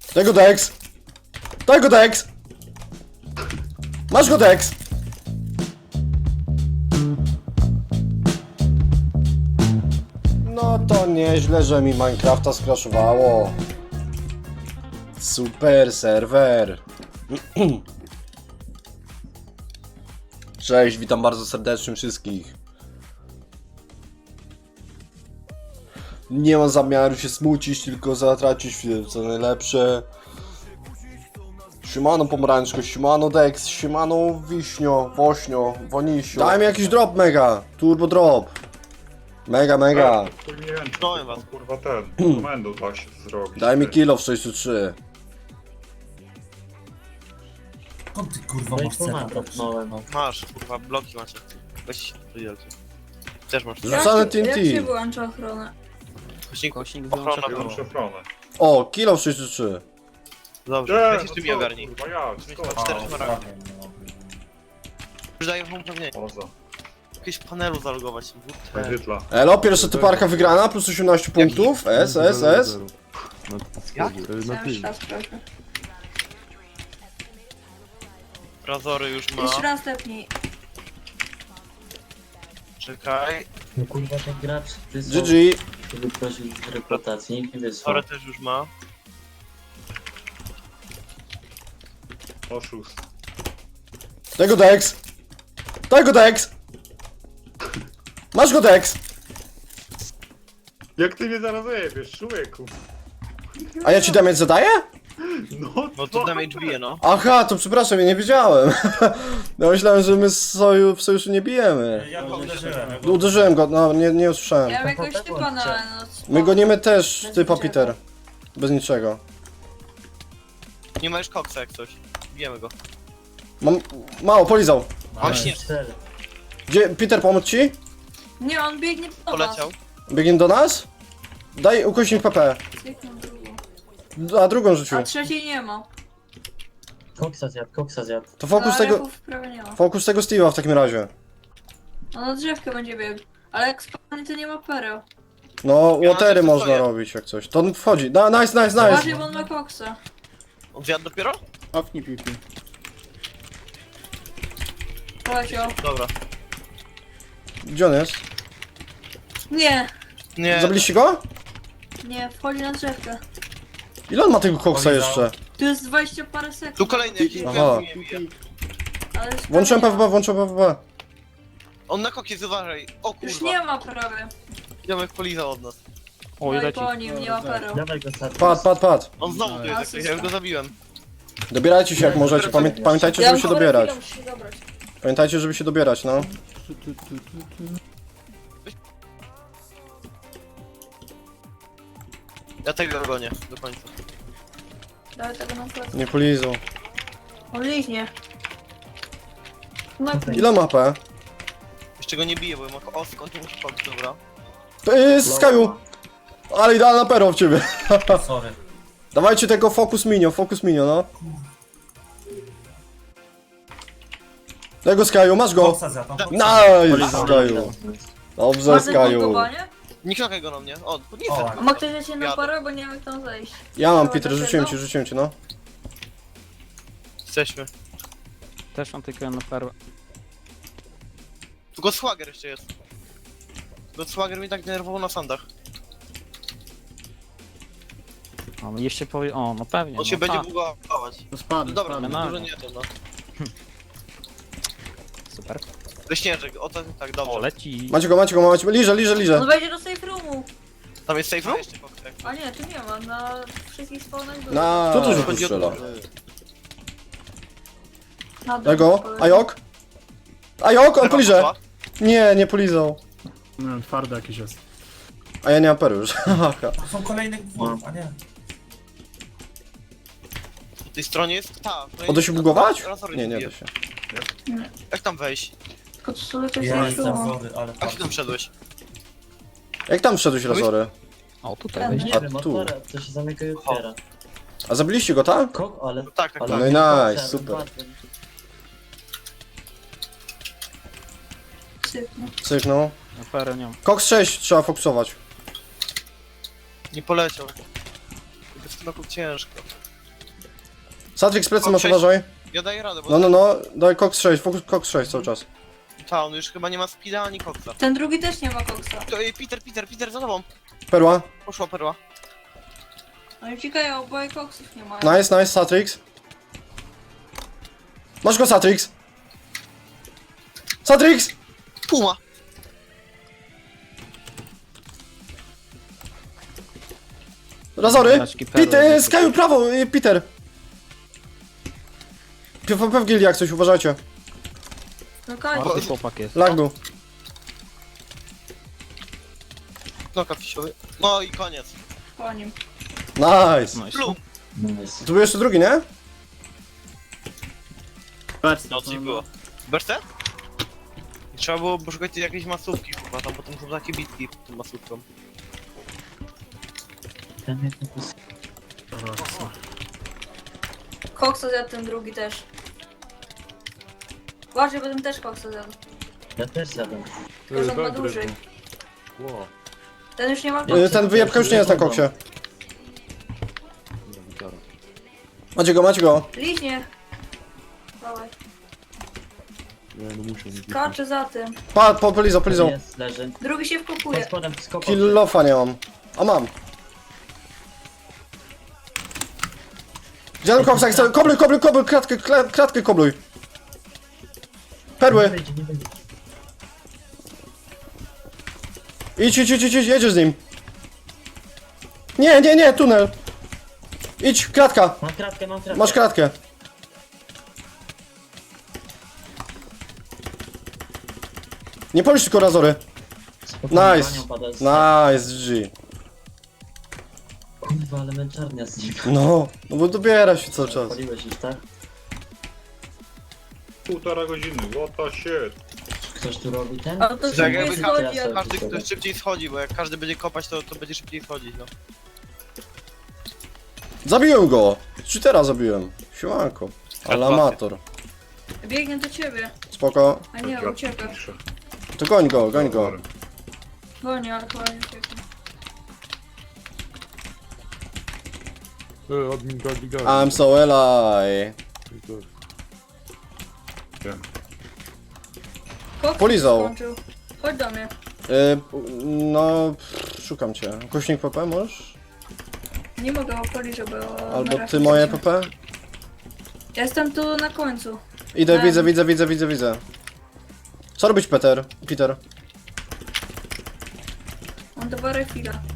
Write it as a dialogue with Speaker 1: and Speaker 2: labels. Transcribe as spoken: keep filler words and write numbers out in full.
Speaker 1: Daj go Dex! Daj go Dex! Masz go Dex! No to nieźle, że mi Minecrafta skraszowało. Super serwer. Cześć, witam bardzo serdecznie wszystkich. Nie mam zamiaru się smucić, tylko zatracić co najlepsze. Siemano pomarańczko, siemano Dex, siemano wiśnio, wośnio, wonisio. Daj mi jakiś drop mega, turbo drop. Mega, mega.
Speaker 2: To nie wiem, czy
Speaker 3: Dałem
Speaker 2: to,
Speaker 3: was.
Speaker 2: kurwa ten, komendu da się zrobić.
Speaker 1: Daj mi
Speaker 2: ty.
Speaker 1: kilo w sześćset trzy.
Speaker 4: Skąd ty kurwa
Speaker 5: No i
Speaker 4: masz
Speaker 5: tu
Speaker 4: cena?
Speaker 5: mam dropnąłem, no.
Speaker 3: Masz, kurwa, bloki macie. Weź wydzielcie. Też masz.
Speaker 1: Rzucane
Speaker 6: Jak się- Jak się
Speaker 1: T N T.
Speaker 6: wyłącza ochronę?
Speaker 3: Kośnik,
Speaker 7: Kośnik
Speaker 3: ochrona
Speaker 7: wyłącza
Speaker 3: była.
Speaker 2: Wyłącz ochronę.
Speaker 1: O, kilo w sześćset trzy.
Speaker 3: Dobrze,
Speaker 2: Nie,
Speaker 3: weź
Speaker 2: no
Speaker 3: jeszcze mi
Speaker 2: co,
Speaker 3: ogarnij.
Speaker 2: kurwa, ja,
Speaker 3: Weź
Speaker 2: skąd?
Speaker 3: to cztery
Speaker 4: A,
Speaker 3: szmaragdy.
Speaker 4: prawie, no.
Speaker 3: Już daję wam upewnienie.
Speaker 2: Poza.
Speaker 3: Jakieś panelu zalogować. W T.
Speaker 2: Hydla.
Speaker 1: Elo, pierwsza typarka wygrana, plus osiemnaście punktów. S, S, S.
Speaker 3: Jak?
Speaker 7: Na
Speaker 6: Cały
Speaker 7: tym.
Speaker 6: czas proszę.
Speaker 3: Razory już
Speaker 6: Jeszcze
Speaker 3: ma.
Speaker 6: raz tepnij.
Speaker 3: Czekaj.
Speaker 5: No kurwa ten gracz, ty
Speaker 1: G
Speaker 5: są,
Speaker 1: G.
Speaker 5: żeby prosić z reputacji, nikt nie wysłał.
Speaker 3: Razory też już ma.
Speaker 2: Oszust.
Speaker 1: Daj go Dex. Daj go Dex. Masz go Dex.
Speaker 2: Jak ty mnie zaraz jebiesz, człowieku?
Speaker 1: A ja ci damage zadaję?
Speaker 2: No,
Speaker 3: No to damage bije, no.
Speaker 1: Aha, to przepraszam, ja nie wiedziałem. Ja myślałem, że my z soju, w sojuszu nie bijemy.
Speaker 4: Ja go uderzyłem.
Speaker 1: Uderzyłem go, no nie, nie usłyszałem.
Speaker 6: Ja mam jakiegoś typa na noc.
Speaker 1: My gonimy też typa Peter. Bez niczego.
Speaker 3: Nie ma już koksa jak coś. Bijemy go.
Speaker 1: Mam... Mało, polizał.
Speaker 3: Mam śnież.
Speaker 5: cztery.
Speaker 1: Gdzie, Peter, pomóc ci?
Speaker 6: Nie, on biegnie po nas.
Speaker 3: Poleciał.
Speaker 1: Biegnie do nas? Daj ukośnik P P.
Speaker 6: Zwykłą drugą.
Speaker 1: A drugą rzucił.
Speaker 6: A trzeciej nie ma.
Speaker 5: Koksa zjadł, koksa zjadł.
Speaker 1: To fokus
Speaker 6: A
Speaker 1: tego...
Speaker 6: Rechów prawie nie ma.
Speaker 1: Fokus tego Steve'a w takim razie.
Speaker 6: On na drzewkę będzie biegł. Ale jak spadnie to nie ma pereł.
Speaker 1: No,
Speaker 3: Ja
Speaker 1: watery
Speaker 3: też
Speaker 1: można
Speaker 3: stoję.
Speaker 1: robić jak coś. To on wchodzi. Da, nice, nice, nice.
Speaker 6: Uważaj, bo on ma koksa.
Speaker 3: On zjadł dopiero?
Speaker 7: Ofnij pipi.
Speaker 6: Poleciał.
Speaker 3: Dobra.
Speaker 1: Gdzie on jest?
Speaker 6: Nie,
Speaker 3: Nie.
Speaker 1: Zabiliście go?
Speaker 6: nie, wchodzi na drzewkę.
Speaker 1: Ile on ma tego koksa jeszcze?
Speaker 6: Tu jest dwadzieścia parę sekund.
Speaker 3: Tu kolejny jakiś
Speaker 1: Aha.
Speaker 3: mnie bije.
Speaker 6: Ale już
Speaker 1: Włączyłem
Speaker 6: prawie
Speaker 1: P W P, włączyłem P W P.
Speaker 3: On na kokiez uważaj. O
Speaker 6: Już
Speaker 3: kurwa.
Speaker 6: nie ma prawie.
Speaker 3: Ziomek polizał od nas.
Speaker 7: O,
Speaker 6: No i
Speaker 7: leci.
Speaker 6: po nim nie ma pereł.
Speaker 5: Dawaj go sadź.
Speaker 1: Pad, pad, pad.
Speaker 3: On znowu tu jest jakiś, ja już go zabiłem.
Speaker 1: Dobierajcie się jak możecie. Pamię pamiętajcie, żeby się dobierać.
Speaker 6: muszę się dobrać.
Speaker 1: Pamiętajcie, żeby się dobierać, no.
Speaker 3: Ja tego gonię do końca.
Speaker 6: Dawaj tego na plecy.
Speaker 1: Nie polizą.
Speaker 6: On liźnie. No
Speaker 1: Ile ma P?
Speaker 3: Jeszcze go nie biję, bo ma o skąd nie muszę chodzić, dobra.
Speaker 1: Yy, z Skyu. Ale idealna pero w ciebie.
Speaker 4: Sorry.
Speaker 1: Dawajcie tego focus minio, focus minio, no. Tego Skyu, masz go.
Speaker 4: Koksa zjadł.
Speaker 1: Nice, Skyu. Dobrze,
Speaker 6: ma ten
Speaker 1: Skyu.
Speaker 6: blokowanie?
Speaker 3: Nie knokaj go na mnie. O, nie
Speaker 4: O,
Speaker 3: chcę.
Speaker 6: A ma ktoś lecieć na
Speaker 3: Jadę.
Speaker 6: parę, bo nie wiem jak tam zejść.
Speaker 1: Ja mam,
Speaker 6: Dobra,
Speaker 1: Peter,
Speaker 6: to
Speaker 1: rzuciłem
Speaker 6: jedno.
Speaker 1: ci, rzuciłem ci, no.
Speaker 3: Jesteśmy.
Speaker 7: Też mam tylko jedną perłę.
Speaker 3: Tu Godshwager jeszcze jest. Godshwager mnie tak denerwował na sandach.
Speaker 7: O, no jeszcze powie... O, no pewnie.
Speaker 3: On się
Speaker 7: no,
Speaker 3: będzie
Speaker 7: tak.
Speaker 3: bugować.
Speaker 7: No spadł,
Speaker 3: No dobra,
Speaker 7: spadł.
Speaker 3: no, dużo nie to no.
Speaker 7: Super.
Speaker 3: Leśnieżek, o tak, tak, dobrze.
Speaker 7: O, leci.
Speaker 1: Macie go, macie go, macie. Liże, liże,
Speaker 6: On
Speaker 1: liże.
Speaker 6: wejdzie do safe roomu.
Speaker 3: Tam jest safe room?
Speaker 6: A nie, tu nie ma. Na wszystkich spawnach był.
Speaker 1: Na... Co tu się tu
Speaker 3: Chodzi o
Speaker 1: strzela?
Speaker 6: Na dół
Speaker 1: Tego?
Speaker 6: poleciał.
Speaker 1: Ajok? Ajok, on
Speaker 3: Lewa
Speaker 1: poliże.
Speaker 3: poszła.
Speaker 1: Nie, nie polizał.
Speaker 7: No, twardy jakiś jest.
Speaker 1: A ja nie mam peru już. Haha.
Speaker 4: To są kolejne gwór, a nie.
Speaker 3: Po tej stronie jest ta. no
Speaker 1: O, da się bugować?
Speaker 3: Razory
Speaker 1: Nie, nie
Speaker 3: bije.
Speaker 1: da się.
Speaker 3: Jak tam wejść?
Speaker 6: Tylko tu sobie coś
Speaker 4: Ja
Speaker 6: safe
Speaker 4: jestem
Speaker 6: roomu.
Speaker 4: wory, ale
Speaker 3: Jak ty tam
Speaker 4: fakt.
Speaker 3: wszedłeś?
Speaker 1: Jak tam wszedłeś, Razory?
Speaker 7: O, tutaj
Speaker 6: Tam
Speaker 7: wejdzie.
Speaker 5: Nie
Speaker 1: A
Speaker 5: wiem,
Speaker 1: tu?
Speaker 5: otwora, to się zamyka i otwiera.
Speaker 1: A zabiliście go, tak?
Speaker 5: Kok, ale...
Speaker 3: No tak, tak,
Speaker 5: ale
Speaker 3: tak.
Speaker 1: No i
Speaker 5: koksa,
Speaker 1: nice, super.
Speaker 5: padłem.
Speaker 6: Sypnę.
Speaker 1: Sygnał.
Speaker 7: No, perę nie mam.
Speaker 1: Cox sześć trzeba fokusować.
Speaker 3: Nie poleciał. Bez knoków ciężko.
Speaker 1: Satrix plecy masz,
Speaker 3: Sześć.
Speaker 1: uważaj.
Speaker 3: Ja daję radę, bo
Speaker 1: No, no, no, daj Cox sześć, fokus Cox sześć cały czas.
Speaker 3: ta, on już chyba nie ma speeda ani koksa.
Speaker 6: Ten drugi też nie ma koksa.
Speaker 3: To, ej, Peter, Peter, Peter, za tobą.
Speaker 1: Perła.
Speaker 3: Poszła perła.
Speaker 6: Oni uciekają, oboje koksów nie mają.
Speaker 1: Nice, nice, Satrix. Masz go, Satrix. Satrix!
Speaker 3: Puma.
Speaker 1: Razory!
Speaker 7: Znaczki perły.
Speaker 1: Peter, Skyu, prawo, y, Peter! P V P w gildii jak coś, uważajcie.
Speaker 6: No kończ.
Speaker 7: Marty chłopak jest.
Speaker 1: Lag był.
Speaker 3: No, kafisiowy. No i koniec.
Speaker 6: Po nim.
Speaker 1: Nice.
Speaker 7: Nice.
Speaker 3: Plum.
Speaker 5: Nice.
Speaker 1: Tu był jeszcze drugi, nie?
Speaker 3: No, coś było. Berce? Trzeba było poszukać jakiejś masówki chyba, tam potem są takie bitki pod tą masówką.
Speaker 5: Ten jak napis...
Speaker 6: Koksa zjadł ten drugi też. Uważaj, bo ten też koksa zjadł.
Speaker 5: Ja też zjadłem.
Speaker 6: Tylko, że on ma dłużej. Ten już nie ma
Speaker 1: Y,
Speaker 6: koksa.
Speaker 1: Ten wyjebka już nie jest na koksie. Macie go, macie go.
Speaker 6: Liźnie. Dawaj. Skacze za tym.
Speaker 1: Pa, po, polizą, polizą.
Speaker 5: Jest, leży.
Speaker 6: Drugi się
Speaker 5: Pod
Speaker 6: wkopuje.
Speaker 5: spodem, skopał.
Speaker 1: Killofa nie mam. A mam. Gdzie ten koksa chce? Kobluj, kobluj, kobluj, kratkę, kla- kratkę kobluj.
Speaker 5: Nie
Speaker 1: Perły.
Speaker 5: wyjdzie, nie wyjdzie.
Speaker 1: Idź, idź, idź, idź, jedziesz z nim. Nie, nie, nie, tunel. Idź, kratka.
Speaker 5: Mam kratkę, mam kratkę.
Speaker 1: Masz kratkę. Nie polisz tylko razory.
Speaker 5: Spokojnie,
Speaker 1: Nice.
Speaker 5: panią pada z-
Speaker 1: Nice, G.
Speaker 5: Kurwa, ale męczarnia z niego.
Speaker 1: No, no bo dobiera się cały czas.
Speaker 5: Paliłeś już, tak?
Speaker 2: Półtora godziny, what the shit.
Speaker 5: Ktoś tu robi ten?
Speaker 6: A to
Speaker 3: Tak
Speaker 6: szybciej
Speaker 3: jakby
Speaker 6: schodzi,
Speaker 5: ja
Speaker 6: a
Speaker 3: Każdy ktoś szybciej schodzi, bo jak każdy będzie kopać, to, to będzie szybciej schodzić, no.
Speaker 1: Zabiłem go. Cheatera zabiłem. Siłanko. Ale amator.
Speaker 6: biegnie do ciebie.
Speaker 1: Spoko.
Speaker 6: A nie, ucieka.
Speaker 2: Pisze.
Speaker 1: To goń go, goń go.
Speaker 6: Goni, ale chyba nie ucieka.
Speaker 8: E, admin gali gali.
Speaker 1: I'm so alive.
Speaker 6: Koks
Speaker 1: Polizał.
Speaker 6: skończył. Chodź do mnie.
Speaker 1: Y, no, pff, szukam cię. Kośnik P P możesz?
Speaker 6: Nie mogę opalić, żeby... o-
Speaker 1: Albo
Speaker 6: na
Speaker 1: ty
Speaker 6: razie
Speaker 1: moje
Speaker 6: się-
Speaker 1: P P?
Speaker 6: Ja jestem tu na końcu.
Speaker 1: Idę,
Speaker 6: Em.
Speaker 1: widzę, widzę, widzę, widzę, widzę. Co robić, Peter? Peter.
Speaker 6: Mam dwa refila.